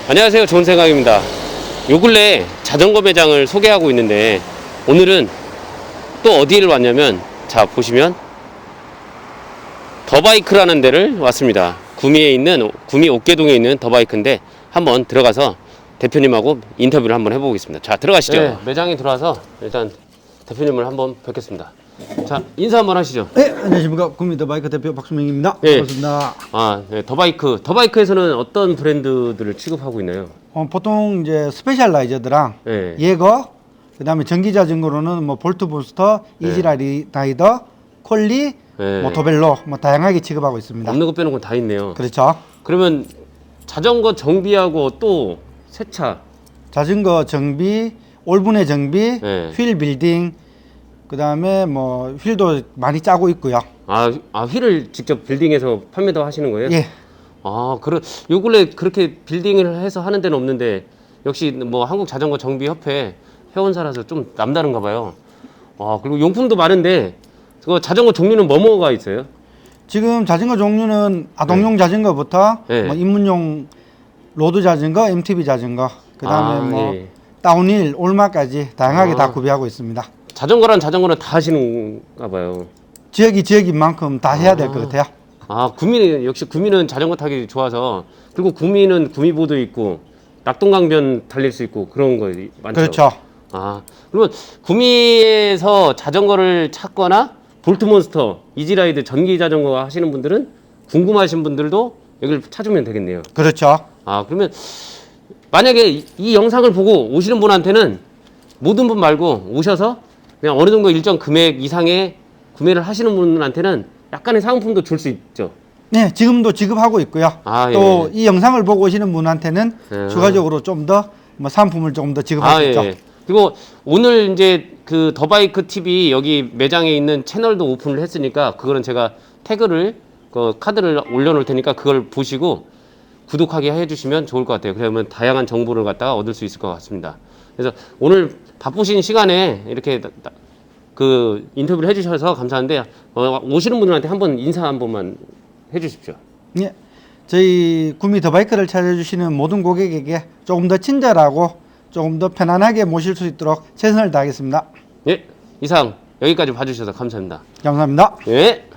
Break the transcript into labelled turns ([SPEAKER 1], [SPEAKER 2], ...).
[SPEAKER 1] 안녕하세요, 좋은 생각입니다. 요 근래 자전거 매장을 소개하고 있는데 오늘은 또 어디를 왔냐면, 자 보시면 더바이크라는 데를 왔습니다. 구미에 있는, 구미 옥계동에 있는 더바이크인데 한번 들어가서 대표님하고 인터뷰를 한번 해보겠습니다. 자, 들어가시죠. 네, 매장에 들어와서 일단 대표님을 한번 뵙겠습니다. 자, 인사 한번 하시죠.
[SPEAKER 2] 네, 안녕하십니까. 구미 더바이크 대표 박수명입니다.
[SPEAKER 1] 네.
[SPEAKER 2] 반갑습니다.
[SPEAKER 1] 아, 네, 더바이크에서는 어떤 브랜드들을 취급하고 있나요?
[SPEAKER 2] 보통 이제 스페셜라이저드랑
[SPEAKER 1] 네.
[SPEAKER 2] 예거, 그다음에 전기 자전거로는 뭐 볼트 부스터,
[SPEAKER 1] 네.
[SPEAKER 2] 이지라이더, 콜리,
[SPEAKER 1] 네.
[SPEAKER 2] 뭐 도벨로 뭐 다양하게 취급하고 있습니다.
[SPEAKER 1] 없는 거 빼놓은 건 다 있네요.
[SPEAKER 2] 그렇죠.
[SPEAKER 1] 그러면 자전거 정비하고 또 세차.
[SPEAKER 2] 자전거 정비, 올분해 정비,
[SPEAKER 1] 네.
[SPEAKER 2] 휠 빌딩, 그다음에 뭐 휠도 많이 짜고 있고요.
[SPEAKER 1] 휠을 직접 빌딩해서 판매도 하시는 거예요?
[SPEAKER 2] 예.
[SPEAKER 1] 요 근래 그렇게 빌딩을 해서 하는 데는 없는데, 역시 뭐 한국 자전거 정비 협회 회원사라서 좀 남다른가 봐요. 그리고 용품도 많은데, 그 자전거 종류는 뭐가 있어요?
[SPEAKER 2] 지금 자전거 종류는 아동용 자전거부터
[SPEAKER 1] 네.
[SPEAKER 2] 뭐 입문용 로드 자전거, MTB 자전거, 그다음에 뭐
[SPEAKER 1] 예.
[SPEAKER 2] 다운힐, 올마까지 다양하게 다 구비하고 있습니다.
[SPEAKER 1] 자전거는 다 하시는가 봐요.
[SPEAKER 2] 지역인 만큼 다 해야 될 것 같아요.
[SPEAKER 1] 역시 구미는 자전거 타기 좋아서, 그리고 구미는 구미보도 있고 낙동강변 달릴 수 있고 그런 거 많죠.
[SPEAKER 2] 그렇죠.
[SPEAKER 1] 그러면 구미에서 자전거를 찾거나 볼트몬스터, 이지라이드 전기 자전거 하시는 분들은, 궁금하신 분들도 여기를 찾으면 되겠네요.
[SPEAKER 2] 그렇죠.
[SPEAKER 1] 그러면 만약에 이 영상을 보고 오시는 분한테는, 모든 분 말고 오셔서 그냥 어느 정도 일정 금액 이상의 구매를 하시는 분한테는 약간의 상품도 줄 수 있죠.
[SPEAKER 2] 네, 지금도 지급하고 있고요. 또 이 영상을 보고 오시는 분한테는 추가적으로 좀 더 뭐 상품을 조금 더 지급할 수 있죠.
[SPEAKER 1] 그리고 오늘 이제 그 더바이크 TV 여기 매장에 있는 채널도 오픈을 했으니까, 그거는 제가 태그를, 그 카드를 올려놓을 테니까 그걸 보시고 구독하게 해주시면 좋을 것 같아요. 그러면 다양한 정보를 갖다가 얻을 수 있을 것 같습니다. 그래서 오늘 바쁘신 시간에 이렇게 그 인터뷰를 해주셔서 감사한데, 오시는 분들한테 한번 인사 한 번만 해주십시오.
[SPEAKER 2] 예, 저희 구미 더바이크를 찾아주시는 모든 고객에게 조금 더 친절하고 조금 더 편안하게 모실 수 있도록 최선을 다하겠습니다.
[SPEAKER 1] 예, 이상 여기까지 봐주셔서 감사합니다.
[SPEAKER 2] 감사합니다.
[SPEAKER 1] 예.